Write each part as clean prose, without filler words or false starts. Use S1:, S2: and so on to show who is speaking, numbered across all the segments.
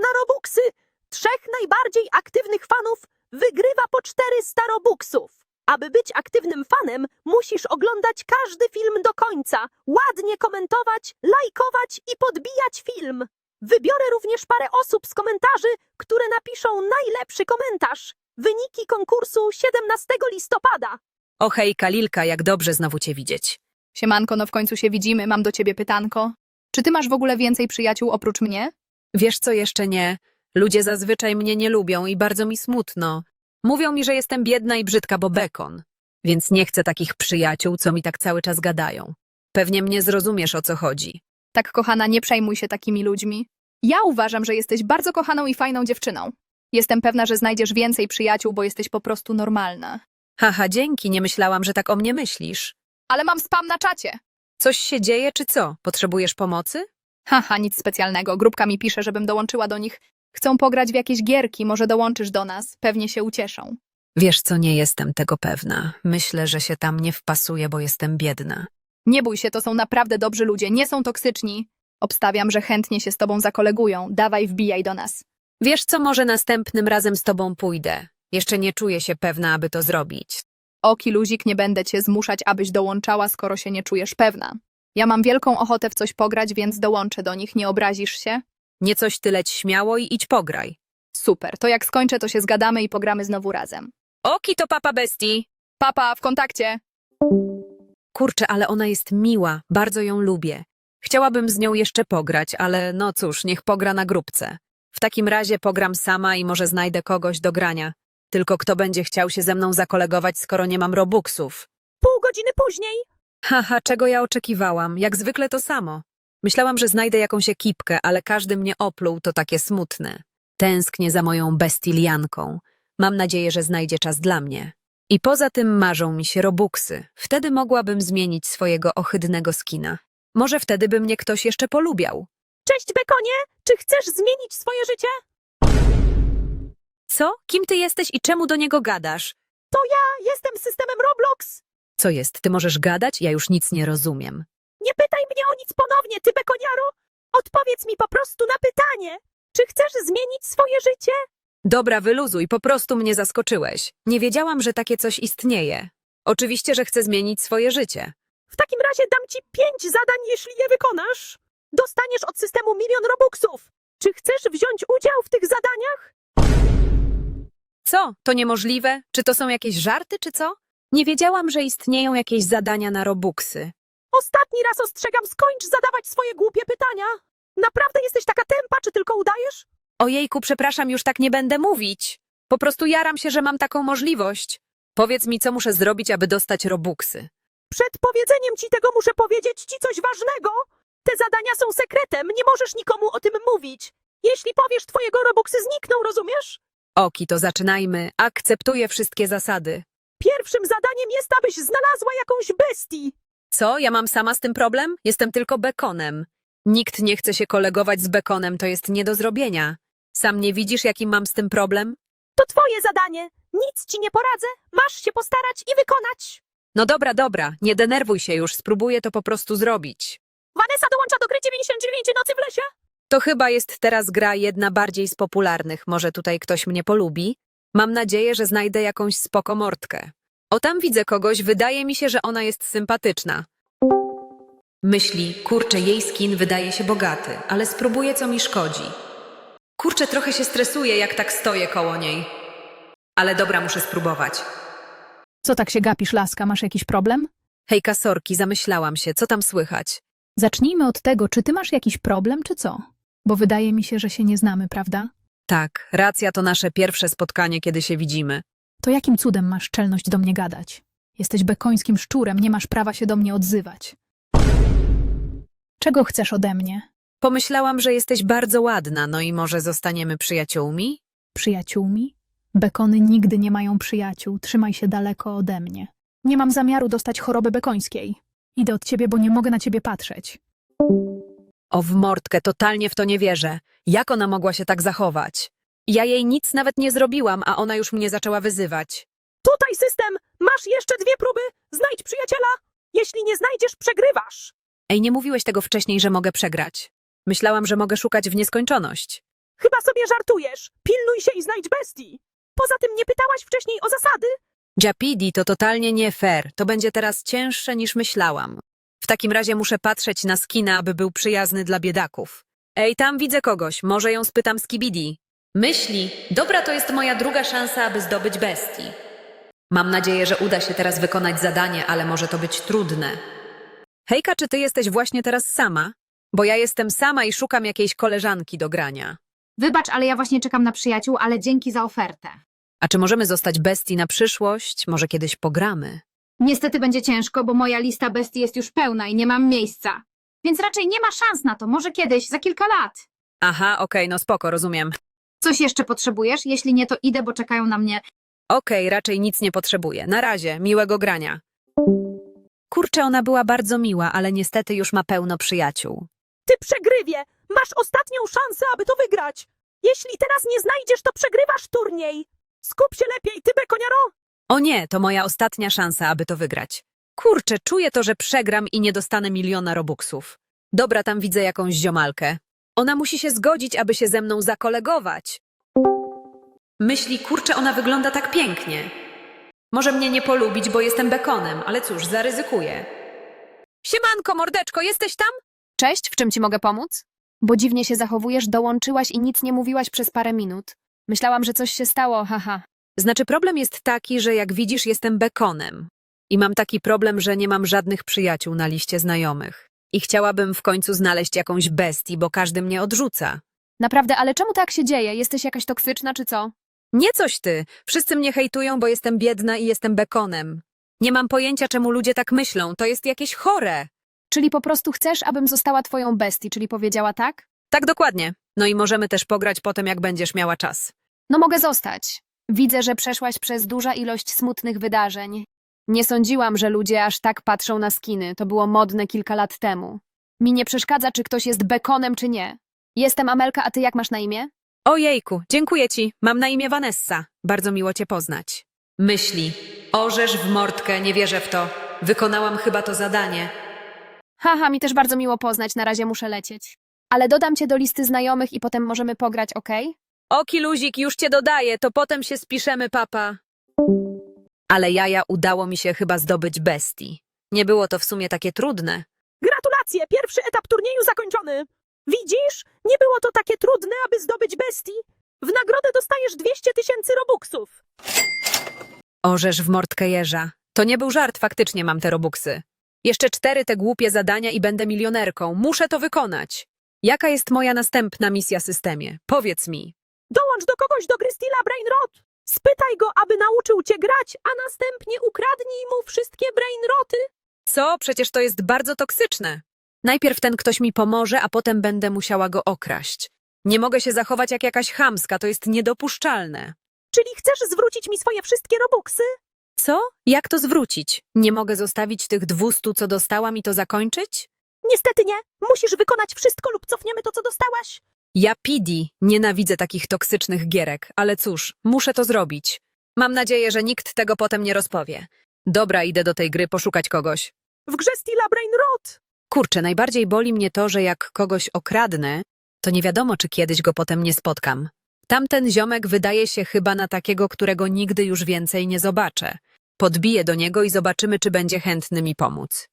S1: na Robuxy. 3 najbardziej aktywnych fanów wygrywa po 400 Robuxów. Aby być aktywnym fanem, musisz oglądać każdy film do końca, ładnie komentować, lajkować i podbijać film. Wybiorę również parę osób z komentarzy, które napiszą najlepszy komentarz. Wyniki konkursu 17 listopada.
S2: O hejka, Lilka, jak dobrze znowu cię widzieć.
S3: Siemanko, no w końcu się widzimy, mam do ciebie pytanko. Czy ty masz w ogóle więcej przyjaciół oprócz mnie?
S2: Wiesz co, jeszcze nie. Ludzie zazwyczaj mnie nie lubią i bardzo mi smutno. Mówią mi, że jestem biedna i brzydka, bo bekon. Więc nie chcę takich przyjaciół, co mi tak cały czas gadają. Pewnie mnie zrozumiesz, o co chodzi.
S3: Tak, kochana, nie przejmuj się takimi ludźmi. Ja uważam, że jesteś bardzo kochaną i fajną dziewczyną. Jestem pewna, że znajdziesz więcej przyjaciół, bo jesteś po prostu normalna.
S2: Haha, dzięki, nie myślałam, że tak o mnie myślisz.
S3: Ale mam spam na czacie.
S2: Coś się dzieje, czy co? Potrzebujesz pomocy?
S3: Haha, nic specjalnego. Grupka mi pisze, żebym dołączyła do nich. Chcą pograć w jakieś gierki, może dołączysz do nas. Pewnie się ucieszą.
S2: Wiesz co, nie jestem tego pewna. Myślę, że się tam nie wpasuję, bo jestem biedna.
S3: Nie bój się, to są naprawdę dobrzy ludzie, nie są toksyczni. Obstawiam, że chętnie się z tobą zakolegują. Dawaj, wbijaj do nas.
S2: Wiesz co, może następnym razem z tobą pójdę. Jeszcze nie czuję się pewna, aby to zrobić.
S3: Oki, luzik, nie będę cię zmuszać, abyś dołączała, skoro się nie czujesz pewna. Ja mam wielką ochotę w coś pograć, więc dołączę do nich, nie obrazisz się?
S2: Nie coś ty leć śmiało i idź pograj.
S3: Super, to jak skończę, to się zgadamy i pogramy znowu razem.
S2: Oki to papa bestii.
S3: Papa, w kontakcie!
S2: Kurczę, ale ona jest miła, bardzo ją lubię. Chciałabym z nią jeszcze pograć, ale no cóż, niech pogra na grupce. W takim razie pogram sama i może znajdę kogoś do grania. Tylko kto będzie chciał się ze mną zakolegować, skoro nie mam robuxów?
S1: Pół godziny później.
S2: Haha, czego ja oczekiwałam? Jak zwykle to samo. Myślałam, że znajdę jakąś ekipkę, ale każdy mnie opluł, to takie smutne. Tęsknię za moją bestilianką. Mam nadzieję, że znajdzie czas dla mnie. I poza tym marzą mi się robuxy. Wtedy mogłabym zmienić swojego ohydnego skina. Może wtedy by mnie ktoś jeszcze polubiał.
S1: Cześć, Bekonie! Czy chcesz zmienić swoje życie?
S2: Co? Kim ty jesteś i czemu do niego gadasz?
S1: Jestem systemem Roblox.
S2: Co jest? Ty możesz gadać? Ja już nic nie rozumiem.
S1: Nie pytaj mnie o nic ponownie, ty Bekoniaro. Odpowiedz mi po prostu na pytanie. Czy chcesz zmienić swoje życie?
S2: Dobra, wyluzuj, po prostu mnie zaskoczyłeś. Nie wiedziałam, że takie coś istnieje. Oczywiście, że chcę zmienić swoje życie.
S1: W takim razie dam ci 5 zadań, jeśli je wykonasz. Dostaniesz od systemu 1 000 000 Robuxów. Czy chcesz wziąć udział w tych zadaniach?
S2: Co? To niemożliwe? Czy to są jakieś żarty, czy co? Nie wiedziałam, że istnieją jakieś zadania na robuxy.
S1: Ostatni raz ostrzegam, skończ zadawać swoje głupie pytania. Naprawdę jesteś taka tempa, czy tylko udajesz?
S2: Ojejku, przepraszam, już tak nie będę mówić. Po prostu jaram się, że mam taką możliwość. Powiedz mi, co muszę zrobić, aby dostać robuxy.
S1: Przed powiedzeniem ci tego muszę powiedzieć ci coś ważnego. Te zadania są sekretem, nie możesz nikomu o tym mówić. Jeśli powiesz, twojego Robuxy znikną, rozumiesz?
S2: Oki, to zaczynajmy. Akceptuję wszystkie zasady.
S1: Pierwszym zadaniem jest, abyś znalazła jakąś bestię.
S2: Co? Ja mam sama z tym problem? Jestem tylko bekonem. Nikt nie chce się kolegować z bekonem, to jest nie do zrobienia. Sam nie widzisz, jaki mam z tym problem?
S1: To twoje zadanie. Nic ci nie poradzę. Masz się postarać i wykonać.
S2: No dobra, nie denerwuj się już, spróbuję to po prostu zrobić.
S1: Vanessa dołącza do gry 99 nocy w lesie.
S2: To chyba jest teraz gra jedna bardziej z popularnych, może tutaj ktoś mnie polubi? Mam nadzieję, że znajdę jakąś spoko mordkę. O, tam widzę kogoś, wydaje mi się, że ona jest sympatyczna. Myśli, kurczę, jej skin wydaje się bogaty, ale spróbuję, co mi szkodzi. Kurczę, trochę się stresuję, jak tak stoję koło niej. Ale dobra, muszę spróbować.
S4: Co tak się gapisz, laska? Masz jakiś problem?
S2: Hejka, sorki, zamyślałam się, co tam słychać?
S4: Zacznijmy od tego, czy ty masz jakiś problem, czy co? Bo wydaje mi się, że się nie znamy, prawda?
S2: Tak, racja, to nasze pierwsze spotkanie, kiedy się widzimy.
S4: To jakim cudem masz czelność do mnie gadać? Jesteś bekońskim szczurem, nie masz prawa się do mnie odzywać. Czego chcesz ode mnie?
S2: Pomyślałam, że jesteś bardzo ładna, no i może zostaniemy przyjaciółmi?
S4: Przyjaciółmi? Bekony nigdy nie mają przyjaciół, trzymaj się daleko ode mnie. Nie mam zamiaru dostać choroby bekońskiej. Idę od ciebie, bo nie mogę na ciebie patrzeć.
S2: O, w mordkę, totalnie w to nie wierzę. Jak ona mogła się tak zachować? Ja jej nic nawet nie zrobiłam, a ona już mnie zaczęła wyzywać.
S1: Tutaj system. Masz jeszcze 2 próby. Znajdź przyjaciela. Jeśli nie znajdziesz, przegrywasz.
S2: Ej, nie mówiłeś tego wcześniej, że mogę przegrać. Myślałam, że mogę szukać w nieskończoność.
S1: Chyba sobie żartujesz. Pilnuj się i znajdź bestii. Poza tym nie pytałaś wcześniej o zasady.
S2: Japidi, to totalnie nie fair. To będzie teraz cięższe niż myślałam. W takim razie muszę patrzeć na skina, aby był przyjazny dla biedaków. Ej, tam widzę kogoś. Może ją spytam z Kibidi. Myśli, dobra, to jest moja druga szansa, aby zdobyć bestii. Mam nadzieję, że uda się teraz wykonać zadanie, ale może to być trudne. Hejka, czy ty jesteś właśnie teraz sama? Bo ja jestem sama i szukam jakiejś koleżanki do grania.
S5: Wybacz, ale ja właśnie czekam na przyjaciół, ale dzięki za ofertę.
S2: A czy możemy zostać bestii na przyszłość? Może kiedyś pogramy?
S5: Niestety będzie ciężko, bo moja lista bestii jest już pełna i nie mam miejsca. Więc raczej nie ma szans na to, może kiedyś, za kilka lat.
S2: Aha, okej, no spoko, rozumiem.
S5: Coś jeszcze potrzebujesz? Jeśli nie, to idę, bo czekają na mnie.
S2: Okej, raczej nic nie potrzebuję. Na razie, miłego grania. Kurczę, ona była bardzo miła, ale niestety już ma pełno przyjaciół.
S1: Ty przegrywie. Masz ostatnią szansę, aby to wygrać. Jeśli teraz nie znajdziesz, to przegrywasz turniej. Skup się lepiej, ty bekoniaro.
S2: O nie, to moja ostatnia szansa, aby to wygrać. Kurczę, czuję to, że przegram i nie dostanę 1 000 000 robuxów. Dobra, tam widzę jakąś ziomalkę. Ona musi się zgodzić, aby się ze mną zakolegować. Myśli, kurczę, ona wygląda tak pięknie. Może mnie nie polubić, bo jestem bekonem, ale cóż, zaryzykuję. Siemanko, mordeczko, jesteś tam?
S3: Cześć, w czym ci mogę pomóc? Bo dziwnie się zachowujesz, dołączyłaś i nic nie mówiłaś przez parę minut. Myślałam, że coś się stało, haha.
S2: Znaczy, problem jest taki, że jak widzisz, jestem bekonem. I mam taki problem, że nie mam żadnych przyjaciół na liście znajomych. I chciałabym w końcu znaleźć jakąś bestię, bo każdy mnie odrzuca.
S3: Naprawdę, ale czemu tak się dzieje? Jesteś jakaś toksyczna czy co?
S2: Nie coś ty. Wszyscy mnie hejtują, bo jestem biedna i jestem bekonem. Nie mam pojęcia, czemu ludzie tak myślą. To jest jakieś chore.
S3: Czyli po prostu chcesz, abym została twoją bestii, czyli powiedziała tak?
S2: Tak dokładnie. No i możemy też pograć potem, jak będziesz miała czas.
S3: No mogę zostać. Widzę, że przeszłaś przez duża ilość smutnych wydarzeń. Nie sądziłam, że ludzie aż tak patrzą na skiny. To było modne kilka lat temu. Mi nie przeszkadza, czy ktoś jest bekonem, czy nie. Jestem Amelka, a ty jak masz na imię?
S2: Ojejku, dziękuję ci. Mam na imię Vanessa. Bardzo miło cię poznać. Myśli. Orzesz w mordkę, nie wierzę w to. Wykonałam chyba to zadanie.
S3: Haha, mi też bardzo miło poznać, na razie muszę lecieć. Ale dodam cię do listy znajomych i potem możemy pograć, okej?
S2: Oki luzik, już cię dodaję, to potem się spiszemy, papa. Ale jaja, udało mi się chyba zdobyć bestii. Nie było to w sumie takie trudne.
S1: Gratulacje, pierwszy etap turnieju zakończony. Widzisz? Nie było to takie trudne, aby zdobyć bestii. W nagrodę dostajesz 200 000 robuxów.
S2: Orzesz w mordkę jeża. To nie był żart, faktycznie mam te robuxy. Jeszcze 4 te głupie zadania i będę milionerką. Muszę to wykonać. Jaka jest moja następna misja systemie? Powiedz mi.
S1: Dołącz do kogoś do gry Steela Brainrot. Spytaj go, aby nauczył cię grać, a następnie ukradnij mu wszystkie brainroty.
S2: Co? Przecież to jest bardzo toksyczne. Najpierw ten ktoś mi pomoże, a potem będę musiała go okraść. Nie mogę się zachować jak jakaś chamska, to jest niedopuszczalne.
S1: Czyli chcesz zwrócić mi swoje wszystkie robuxy?
S2: Co? Jak to zwrócić? Nie mogę zostawić tych 200, co dostałam i to zakończyć?
S1: Niestety nie. Musisz wykonać wszystko lub cofniemy to, co dostałaś.
S2: Ja Pidi nienawidzę takich toksycznych gierek, ale cóż, muszę to zrobić. Mam nadzieję, że nikt tego potem nie rozpowie. Dobra, idę do tej gry poszukać kogoś.
S1: W grze Steela Brainrot.
S2: Kurczę, najbardziej boli mnie to, że jak kogoś okradnę, to nie wiadomo, czy kiedyś go potem nie spotkam. Tamten ziomek wydaje się chyba na takiego, którego nigdy już więcej nie zobaczę. Podbiję do niego i zobaczymy, czy będzie chętny mi pomóc.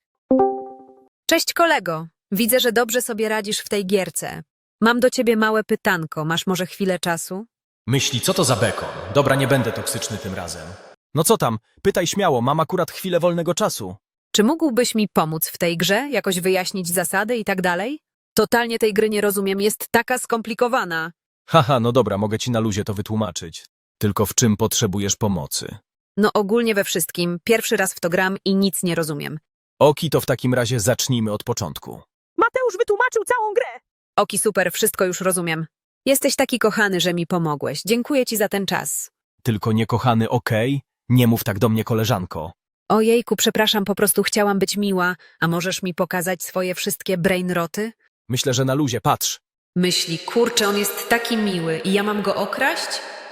S2: Cześć kolego, widzę, że dobrze sobie radzisz w tej gierce. Mam do ciebie małe pytanko, masz może chwilę czasu?
S6: Myśli, co to za bekon? Dobra, nie będę toksyczny tym razem. No co tam? Pytaj śmiało, mam akurat chwilę wolnego czasu.
S2: Czy mógłbyś mi pomóc w tej grze, jakoś wyjaśnić zasady i tak dalej? Totalnie tej gry nie rozumiem, jest taka skomplikowana.
S6: Haha, no dobra, mogę ci na luzie to wytłumaczyć. Tylko w czym potrzebujesz pomocy?
S2: No ogólnie we wszystkim, pierwszy raz w to gram i nic nie rozumiem.
S6: Oki, to w takim razie zacznijmy od początku.
S1: Mateusz wytłumaczył całą grę.
S2: Oki, super, wszystko już rozumiem. Jesteś taki kochany, że mi pomogłeś. Dziękuję ci za ten czas.
S6: Tylko niekochany, okej? Nie mów tak do mnie, koleżanko.
S2: Ojejku, przepraszam, po prostu chciałam być miła. A możesz mi pokazać swoje wszystkie brainroty?
S6: Myślę, że na luzie, patrz.
S2: Myśli, kurczę, on jest taki miły i ja mam go okraść?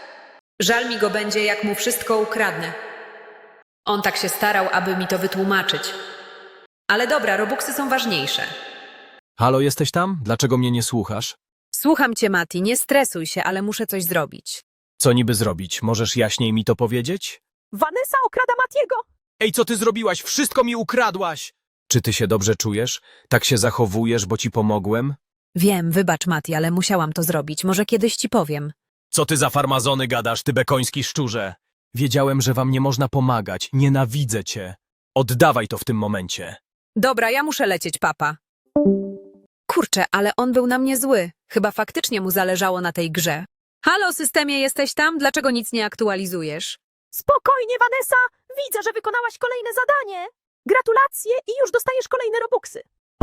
S2: Żal mi go będzie, jak mu wszystko ukradnę. On tak się starał, aby mi to wytłumaczyć. Ale dobra, robuxy są ważniejsze.
S6: Halo, jesteś tam? Dlaczego mnie nie słuchasz?
S2: Słucham cię, Mati, nie stresuj się, ale muszę coś zrobić.
S6: Co niby zrobić? Możesz jaśniej mi to powiedzieć?
S1: Vanessa okrada Matiego.
S6: Ej, co ty zrobiłaś? Wszystko mi ukradłaś! Czy ty się dobrze czujesz? Tak się zachowujesz, bo ci pomogłem?
S2: Wiem, wybacz, Mati, ale musiałam to zrobić. Może kiedyś ci powiem.
S6: Co ty za farmazony gadasz, ty bekoński szczurze? Wiedziałem, że wam nie można pomagać. Nienawidzę cię. Oddawaj to w tym momencie.
S2: Dobra, ja muszę lecieć, papa. Kurczę, ale on był na mnie zły. Chyba faktycznie mu zależało na tej grze. Halo, systemie, jesteś tam? Dlaczego nic nie aktualizujesz?
S1: Spokojnie, Vanessa. Widzę, że wykonałaś kolejne zadanie. Gratulacje i już dostajesz kolejne robuxy.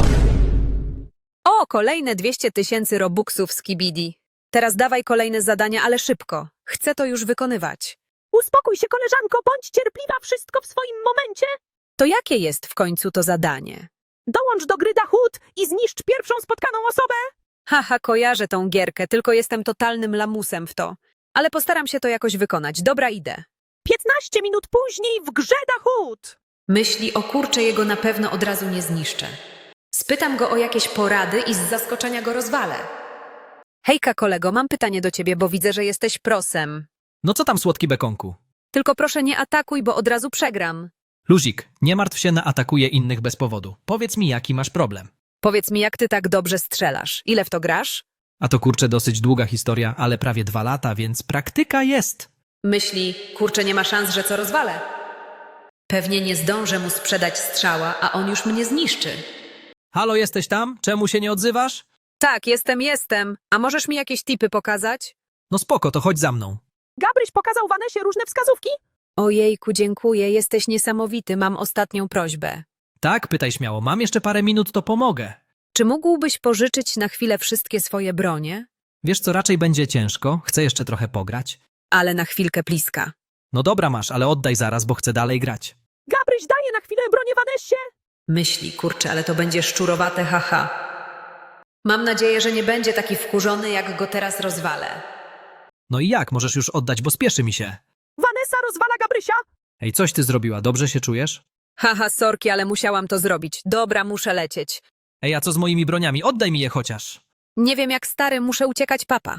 S2: O, kolejne 200 000 robuxów z Kibidi. Teraz dawaj kolejne zadania, ale szybko. Chcę to już wykonywać.
S1: Uspokój się, koleżanko, bądź cierpliwa, wszystko w swoim momencie.
S2: To jakie jest w końcu to zadanie?
S1: Dołącz do gry Dahut i zniszcz pierwszą spotkaną osobę.
S2: Haha, kojarzę tą gierkę, tylko jestem totalnym lamusem w to. Ale postaram się to jakoś wykonać. Dobra, idę.
S1: 15 minut później w grze Dahut.
S2: Myśli o kurcze jego na pewno od razu nie zniszczę. Spytam go o jakieś porady i z zaskoczenia go rozwalę. Hejka, kolego, mam pytanie do ciebie, bo widzę, że jesteś prosem.
S7: No co tam, słodki bekonku?
S2: Tylko proszę nie atakuj, bo od razu przegram.
S7: Luzik, nie martw się na atakuje innych bez powodu. Powiedz mi, jaki masz problem.
S2: Powiedz mi, jak ty tak dobrze strzelasz? Ile w to grasz?
S7: A to kurczę dosyć długa historia, ale prawie 2 lata, więc praktyka jest.
S2: Myśli, kurczę, nie ma szans, że co rozwalę. Pewnie nie zdążę mu sprzedać strzała, a on już mnie zniszczy.
S7: Halo, jesteś tam? Czemu się nie odzywasz?
S2: Tak, jestem. A możesz mi jakieś tipy pokazać?
S7: No spoko, to chodź za mną.
S1: Gabryś pokazał Vanessie różne wskazówki.
S2: Ojejku, dziękuję, jesteś niesamowity, mam ostatnią prośbę.
S7: Tak, pytaj śmiało, mam jeszcze parę minut, to pomogę.
S2: Czy mógłbyś pożyczyć na chwilę wszystkie swoje bronie?
S7: Wiesz co, raczej będzie ciężko, chcę jeszcze trochę pograć.
S2: Ale na chwilkę bliska.
S7: No dobra masz, ale oddaj zaraz, bo chcę dalej grać.
S1: Gabryś daje na chwilę bronię Vanessie.
S2: Myśli, kurczę, ale to będzie szczurowate, haha. Mam nadzieję, że nie będzie taki wkurzony, jak go teraz rozwalę.
S7: No i jak, możesz już oddać, bo spieszy mi się.
S1: Vanessa rozwala Gabrysia.
S7: Ej, coś ty zrobiła, dobrze się czujesz?
S2: Haha, sorki, ale musiałam to zrobić. Dobra, muszę lecieć.
S7: Ej, a co z moimi broniami? Oddaj mi je chociaż.
S2: Nie wiem jak stary, muszę uciekać, papa.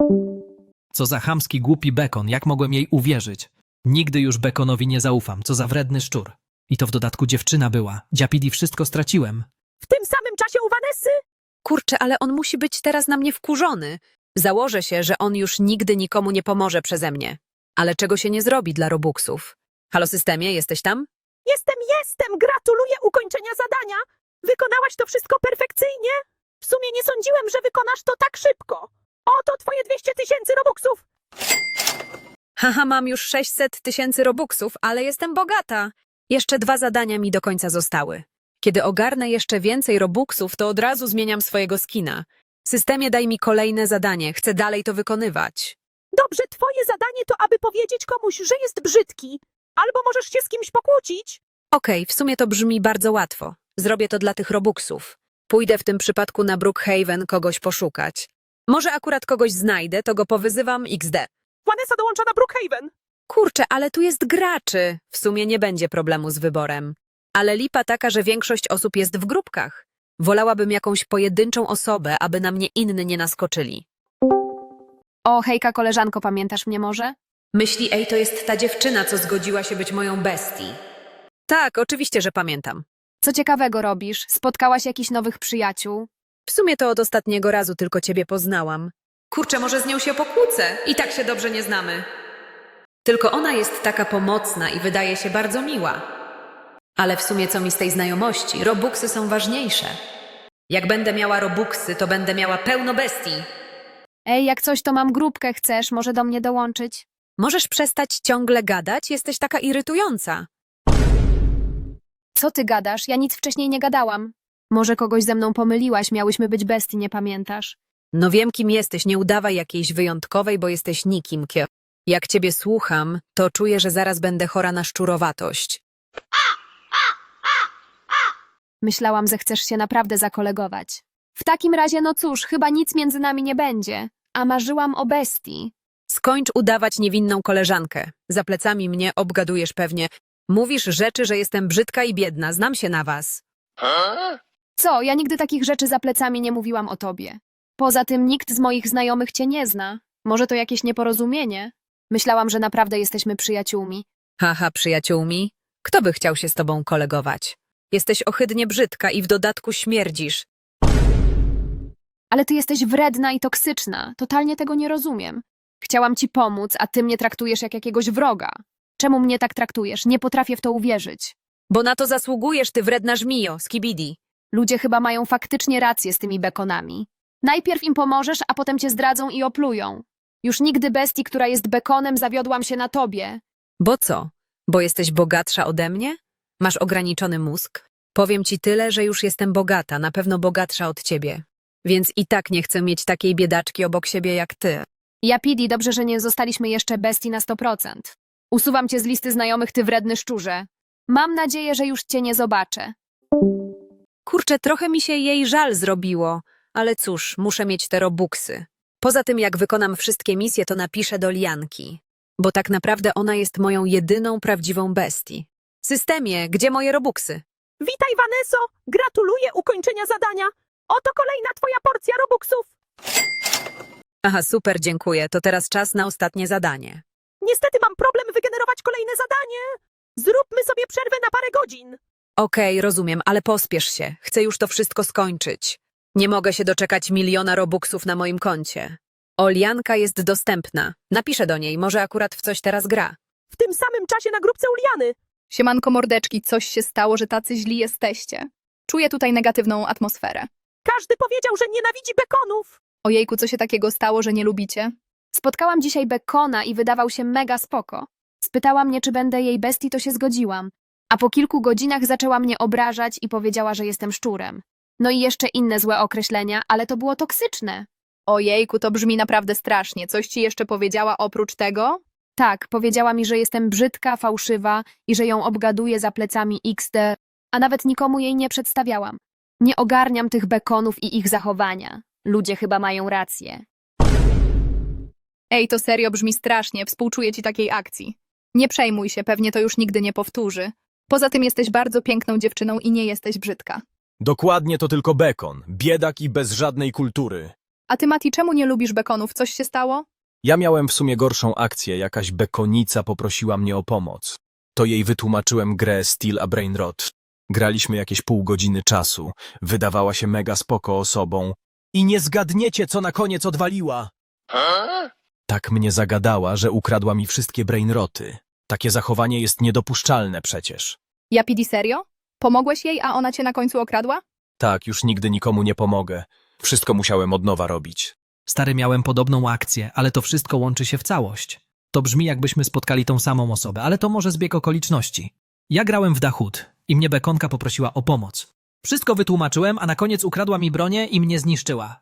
S7: Co za chamski, głupi bekon, jak mogłem jej uwierzyć? Nigdy już bekonowi nie zaufam, co za wredny szczur. I to w dodatku dziewczyna była. Dziapidi wszystko straciłem.
S1: W tym samym czasie u Vanessy.
S2: Kurczę, ale on musi być teraz na mnie wkurzony. Założę się, że on już nigdy nikomu nie pomoże przeze mnie. Ale czego się nie zrobi dla robuxów? Halo systemie, jesteś tam?
S1: Jestem. Gratuluję ukończenia zadania. Wykonałaś to wszystko perfekcyjnie. W sumie nie sądziłem, że wykonasz to tak szybko. Oto twoje 200 000 robuxów.
S2: Haha, mam już 600 000 robuxów, ale jestem bogata. Jeszcze 2 zadania mi do końca zostały. Kiedy ogarnę jeszcze więcej robuxów, to od razu zmieniam swojego skina. Systemie, daj mi kolejne zadanie, chcę dalej to wykonywać.
S1: Dobrze, twoje zadanie to, aby powiedzieć komuś, że jest brzydki. Albo możesz się z kimś pokłócić.
S2: Okej, w sumie to brzmi bardzo łatwo. Zrobię to dla tych robuxów. Pójdę w tym przypadku na Brookhaven kogoś poszukać. Może akurat kogoś znajdę, to go powyzywam XD.
S1: Vanessa dołącza na Brookhaven.
S2: Kurczę, ale tu jest graczy. W sumie nie będzie problemu z wyborem. Ale lipa taka, że większość osób jest w grupkach. Wolałabym jakąś pojedynczą osobę, aby na mnie inni nie naskoczyli.
S3: O, hejka, koleżanko, pamiętasz mnie może?
S2: Myśli, ej, to jest ta dziewczyna, co zgodziła się być moją bestii. Tak, oczywiście, że pamiętam.
S3: Co ciekawego robisz? Spotkałaś jakichś nowych przyjaciół?
S2: W sumie to od ostatniego razu tylko ciebie poznałam. Kurczę, może z nią się pokłócę. I tak się dobrze nie znamy. Tylko ona jest taka pomocna i wydaje się bardzo miła. Ale w sumie co mi z tej znajomości? Robuxy są ważniejsze. Jak będę miała robuxy, to będę miała pełno bestii.
S3: Ej, jak coś to mam grupkę, chcesz może do mnie dołączyć?
S2: Możesz przestać ciągle gadać? Jesteś taka irytująca.
S3: Co ty gadasz? Ja nic wcześniej nie gadałam. Może kogoś ze mną pomyliłaś, miałyśmy być bestii, nie pamiętasz?
S2: No wiem, kim jesteś, nie udawaj jakiejś wyjątkowej, bo jesteś nikim. Jak ciebie słucham, to czuję, że zaraz będę chora na szczurowatość.
S3: Myślałam, że chcesz się naprawdę zakolegować. W takim razie, no cóż, chyba nic między nami nie będzie. A marzyłam o bestii.
S2: Skończ udawać niewinną koleżankę. Za plecami mnie obgadujesz pewnie. Mówisz rzeczy, że jestem brzydka i biedna, znam się na was.
S3: Co? Ja nigdy takich rzeczy za plecami nie mówiłam o tobie. Poza tym nikt z moich znajomych cię nie zna. Może to jakieś nieporozumienie? Myślałam, że naprawdę jesteśmy przyjaciółmi.
S2: Haha, przyjaciółmi. Kto by chciał się z tobą kolegować? Jesteś ohydnie brzydka i w dodatku śmierdzisz.
S3: Ale ty jesteś wredna i toksyczna. Totalnie tego nie rozumiem. Chciałam ci pomóc, a ty mnie traktujesz jak jakiegoś wroga. Czemu mnie tak traktujesz? Nie potrafię w to uwierzyć.
S2: Bo na to zasługujesz, ty wredna żmijo, skibidi.
S3: Ludzie chyba mają faktycznie rację z tymi bekonami. Najpierw im pomożesz, a potem cię zdradzą i oplują. Już nigdy bestii, która jest bekonem, zawiodłam się na tobie.
S2: Bo co? Bo jesteś bogatsza ode mnie? Masz ograniczony mózg? Powiem ci tyle, że już jestem bogata, na pewno bogatsza od ciebie. Więc i tak nie chcę mieć takiej biedaczki obok siebie jak ty.
S3: Japidi, dobrze, że nie zostaliśmy jeszcze bestii na 100%. Usuwam cię z listy znajomych, ty wredny szczurze. Mam nadzieję, że już cię nie zobaczę.
S2: Kurczę, trochę mi się jej żal zrobiło, ale cóż, muszę mieć te robuxy. Poza tym, jak wykonam wszystkie misje, to napiszę do Lianki. Bo tak naprawdę ona jest moją jedyną prawdziwą bestii. Systemie, gdzie moje robuxy?
S1: Witaj, Vanesso! Gratuluję ukończenia zadania! Oto kolejna twoja porcja robuxów!
S2: Aha, super, dziękuję. To teraz czas na ostatnie zadanie.
S1: Niestety mam problem wygenerować kolejne zadanie! Zróbmy sobie przerwę na parę godzin!
S2: Okej, rozumiem, ale pospiesz się. Chcę już to wszystko skończyć. Nie mogę się doczekać 1 000 000 robuxów na moim koncie. Lianka jest dostępna. Napiszę do niej, może akurat w coś teraz gra.
S1: W tym samym czasie na grupce Uliany!
S8: Siemanko mordeczki, coś się stało, że tacy źli jesteście. Czuję tutaj negatywną atmosferę.
S1: Każdy powiedział, że nienawidzi bekonów!
S8: Ojejku, co się takiego stało, że nie lubicie?
S3: Spotkałam dzisiaj bekona i wydawał się mega spoko. Spytała mnie, czy będę jej bestii, to się zgodziłam. A po kilku godzinach zaczęła mnie obrażać i powiedziała, że jestem szczurem. No i jeszcze inne złe określenia, ale to było toksyczne.
S8: Ojejku, to brzmi naprawdę strasznie. Coś ci jeszcze powiedziała oprócz tego?
S3: Tak, powiedziała mi, że jestem brzydka, fałszywa i że ją obgaduję za plecami XD, a nawet nikomu jej nie przedstawiałam. Nie ogarniam tych bekonów i ich zachowania. Ludzie chyba mają rację.
S8: Ej, to serio brzmi strasznie, współczuję ci takiej akcji. Nie przejmuj się, pewnie to już nigdy nie powtórzy. Poza tym jesteś bardzo piękną dziewczyną i nie jesteś brzydka.
S6: Dokładnie to tylko bekon, biedak i bez żadnej kultury.
S8: A ty, Mati, czemu nie lubisz bekonów? Coś się stało?
S6: Ja miałem w sumie gorszą akcję, jakaś bekonica poprosiła mnie o pomoc. To jej wytłumaczyłem grę Steel a Brain Rot. Graliśmy jakieś pół godziny czasu, wydawała się mega spoko osobą. I nie zgadniecie, co na koniec odwaliła! Tak mnie zagadała, że ukradła mi wszystkie brainroty. Takie zachowanie jest niedopuszczalne przecież.
S8: Japidi, serio? Pomogłeś jej, a ona cię na końcu okradła?
S6: Tak, już nigdy nikomu nie pomogę. Wszystko musiałem od nowa robić.
S7: Stary, miałem podobną akcję, ale to wszystko łączy się w całość. To brzmi, jakbyśmy spotkali tą samą osobę, ale to może zbieg okoliczności. Ja grałem w Dachut i mnie bekonka poprosiła o pomoc. Wszystko wytłumaczyłem, a na koniec ukradła mi bronię i mnie zniszczyła.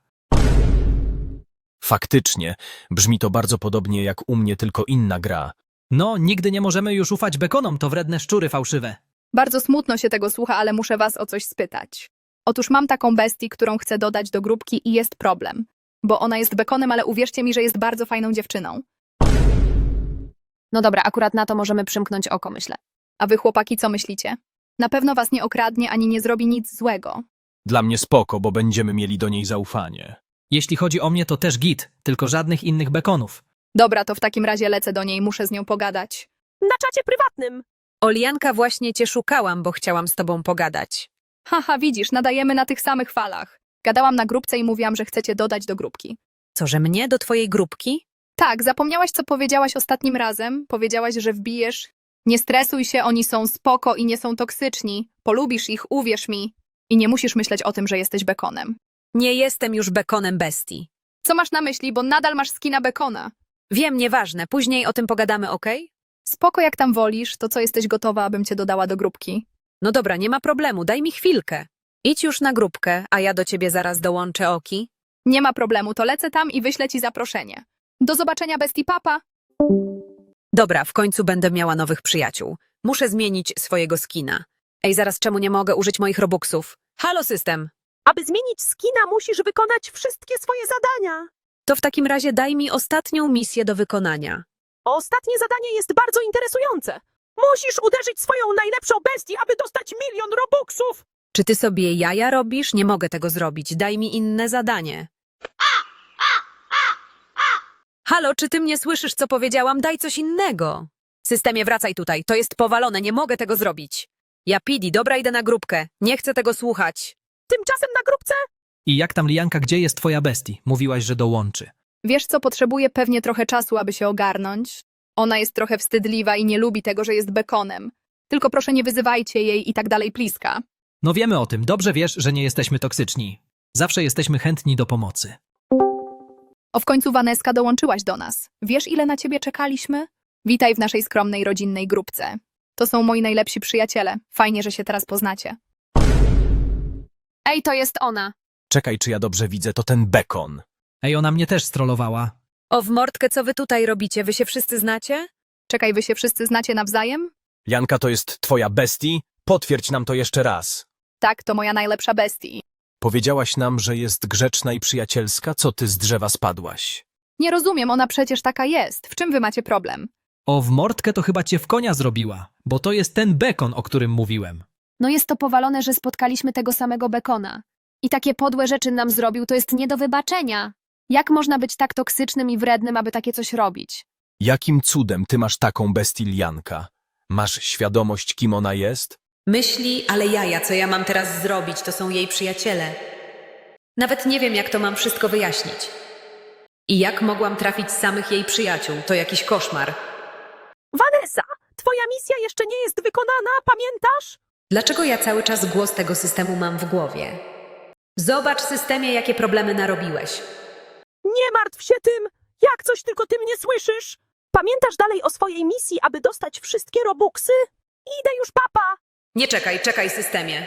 S6: Faktycznie, brzmi to bardzo podobnie jak u mnie, tylko inna gra.
S7: No, nigdy nie możemy już ufać bekonom, to wredne szczury fałszywe.
S8: Bardzo smutno się tego słucha, ale muszę was o coś spytać. Otóż mam taką bestię, którą chcę dodać do grupki i jest problem. Bo ona jest bekonem, ale uwierzcie mi, że jest bardzo fajną dziewczyną.
S3: No dobra, akurat na to możemy przymknąć oko, myślę.
S8: A wy, chłopaki, co myślicie? Na pewno was nie okradnie ani nie zrobi nic złego.
S6: Dla mnie spoko, bo będziemy mieli do niej zaufanie.
S7: Jeśli chodzi o mnie, to też git, tylko żadnych innych bekonów.
S8: Dobra, to w takim razie lecę do niej, muszę z nią pogadać.
S1: Na czacie prywatnym!
S2: Lianka, właśnie cię szukałam, bo chciałam z tobą pogadać.
S8: Haha, widzisz, nadajemy na tych samych falach. Gadałam na grupce i mówiłam, że chcecie dodać do grupki.
S2: Co, że mnie do twojej grupki?
S8: Tak, zapomniałaś, co powiedziałaś ostatnim razem? Powiedziałaś, że wbijesz. Nie stresuj się, oni są spoko i nie są toksyczni. Polubisz ich, uwierz mi. I nie musisz myśleć o tym, że jesteś bekonem.
S2: Nie jestem już bekonem bestii.
S8: Co masz na myśli, bo nadal masz skina bekona?
S2: Wiem, nieważne, później o tym pogadamy, okej?
S8: Spoko, jak tam wolisz, to co, jesteś gotowa, abym cię dodała do grupki?
S2: No dobra, nie ma problemu, daj mi chwilkę. Idź już na grupkę, a ja do ciebie zaraz dołączę, oki.
S8: Nie ma problemu, to lecę tam i wyślę ci zaproszenie. Do zobaczenia, bestii, papa!
S2: Dobra, w końcu będę miała nowych przyjaciół. Muszę zmienić swojego skina. Ej, zaraz, czemu nie mogę użyć moich robuxów? Halo, system!
S1: Aby zmienić skina, musisz wykonać wszystkie swoje zadania.
S2: To w takim razie daj mi ostatnią misję do wykonania.
S1: Ostatnie zadanie jest bardzo interesujące. Musisz uderzyć swoją najlepszą bestię, aby dostać 1 000 000 robuxów.
S2: Czy ty sobie jaja robisz? Nie mogę tego zrobić. Daj mi inne zadanie. Halo, czy ty mnie słyszysz, co powiedziałam? Daj coś innego. Systemie, wracaj tutaj. To jest powalone, nie mogę tego zrobić. Ja Pidi, dobra, idę na grupkę. Nie chcę tego słuchać.
S1: Tymczasem na grupce
S7: I jak tam, Lianka, gdzie jest twoja bestii? Mówiłaś, że dołączy.
S8: Wiesz co, potrzebuje pewnie trochę czasu, aby się ogarnąć. Ona jest trochę wstydliwa i nie lubi tego, że jest bekonem. Tylko proszę nie wyzywajcie jej i tak dalej, pliska.
S7: No wiemy o tym, dobrze wiesz, że nie jesteśmy toksyczni. Zawsze jesteśmy chętni do pomocy.
S8: O, w końcu Waneska dołączyłaś do nas. Wiesz, ile na ciebie czekaliśmy? Witaj w naszej skromnej, rodzinnej grupce. To są moi najlepsi przyjaciele. Fajnie, że się teraz poznacie.
S3: Ej, to jest ona.
S6: Czekaj, czy ja dobrze widzę, to ten bekon.
S7: Ej, ona mnie też strollowała.
S2: O w mordkę, co wy tutaj robicie? Wy się wszyscy znacie?
S8: Czekaj, wy się wszyscy znacie nawzajem?
S6: Lianka, to jest twoja bestii? Potwierdź nam to jeszcze raz.
S8: Tak, to moja najlepsza bestii.
S6: Powiedziałaś nam, że jest grzeczna i przyjacielska, co ty z drzewa spadłaś.
S8: Nie rozumiem, ona przecież taka jest. W czym wy macie problem?
S7: O w mordkę to chyba cię w konia zrobiła, bo to jest ten bekon, o którym mówiłem.
S3: No jest to powalone, że spotkaliśmy tego samego bekona. I takie podłe rzeczy nam zrobił, to jest nie do wybaczenia. Jak można być tak toksycznym i wrednym, aby takie coś robić?
S6: Jakim cudem ty masz taką bestię, Lianka? Masz świadomość, kim ona jest?
S2: Myśli, ale jaja, co ja mam teraz zrobić, to są jej przyjaciele. Nawet nie wiem, jak to mam wszystko wyjaśnić. I jak mogłam trafić samych jej przyjaciół, to jakiś koszmar.
S1: Vanessa, twoja misja jeszcze nie jest wykonana, pamiętasz?
S2: Dlaczego ja cały czas głos tego systemu mam w głowie? Zobacz, systemie, jakie problemy narobiłeś.
S1: Nie martw się tym! Jak coś tylko ty mnie słyszysz? Pamiętasz dalej o swojej misji, aby dostać wszystkie robuxy? Idę już, papa!
S2: Nie czekaj, systemie.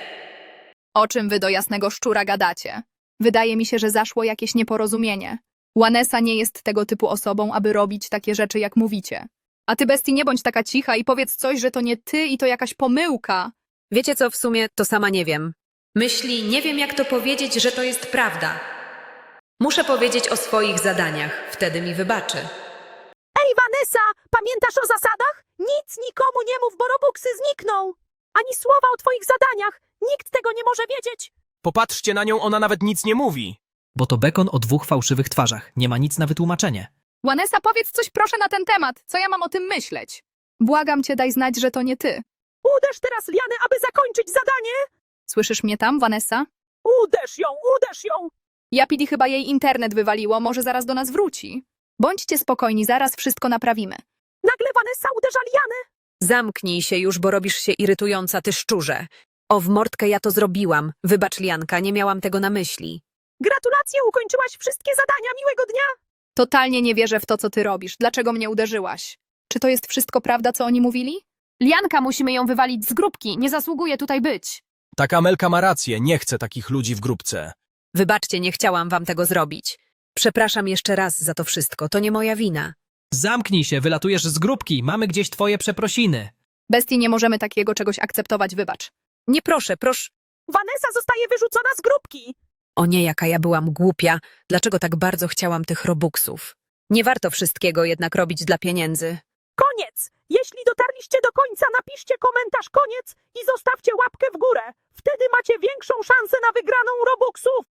S8: O czym wy do jasnego szczura gadacie? Wydaje mi się, że zaszło jakieś nieporozumienie. Vanessa nie jest tego typu osobą, aby robić takie rzeczy, jak mówicie. A ty, bestii, nie bądź taka cicha i powiedz coś, że to nie ty i to jakaś pomyłka.
S2: Wiecie co, w sumie to sama nie wiem. Myśli, nie wiem jak to powiedzieć, że to jest prawda. Muszę powiedzieć o swoich zadaniach, wtedy mi wybaczy.
S1: Ej, Vanessa, pamiętasz o zasadach? Nic nikomu nie mów, bo robuxy znikną! Ani słowa o twoich zadaniach! Nikt tego nie może wiedzieć!
S6: Popatrzcie na nią, ona nawet nic nie mówi.
S7: Bo to bekon o dwóch fałszywych twarzach. Nie ma nic na wytłumaczenie.
S8: Vanessa, powiedz coś proszę na ten temat. Co ja mam o tym myśleć? Błagam cię, daj znać, że to nie ty.
S1: Uderz teraz Lianę, aby zakończyć zadanie!
S8: Słyszysz mnie tam, Vanessa?
S1: Uderz ją, uderz ją!
S8: Japidi chyba jej internet wywaliło, może zaraz do nas wróci. Bądźcie spokojni, zaraz wszystko naprawimy.
S1: Nagle Vanessa uderza Lianę!
S2: Zamknij się już, bo robisz się irytująca, ty szczurze. O w mordkę ja to zrobiłam. Wybacz, Lianka, nie miałam tego na myśli.
S1: Gratulacje, ukończyłaś wszystkie zadania, miłego dnia!
S8: Totalnie nie wierzę w to, co ty robisz. Dlaczego mnie uderzyłaś? Czy to jest wszystko prawda, co oni mówili?
S3: Lianka, musimy ją wywalić z grupki. Nie zasługuje tutaj być.
S6: Tak, Amelka ma rację, nie chcę takich ludzi w grupce.
S2: Wybaczcie, nie chciałam wam tego zrobić. Przepraszam jeszcze raz za to wszystko, to nie moja wina.
S7: Zamknij się, wylatujesz z grupki, mamy gdzieś twoje przeprosiny.
S8: Bestii, nie możemy takiego czegoś akceptować, wybacz.
S2: Nie proszę.
S1: Vanessa zostaje wyrzucona z grupki!
S2: O nie, jaka ja byłam głupia. Dlaczego tak bardzo chciałam tych robuxów? Nie warto wszystkiego jednak robić dla pieniędzy.
S1: Koniec! Jeśli dotarliście do końca, napiszcie komentarz koniec i zostawcie łapkę w górę. Wtedy macie większą szansę na wygraną robuxów.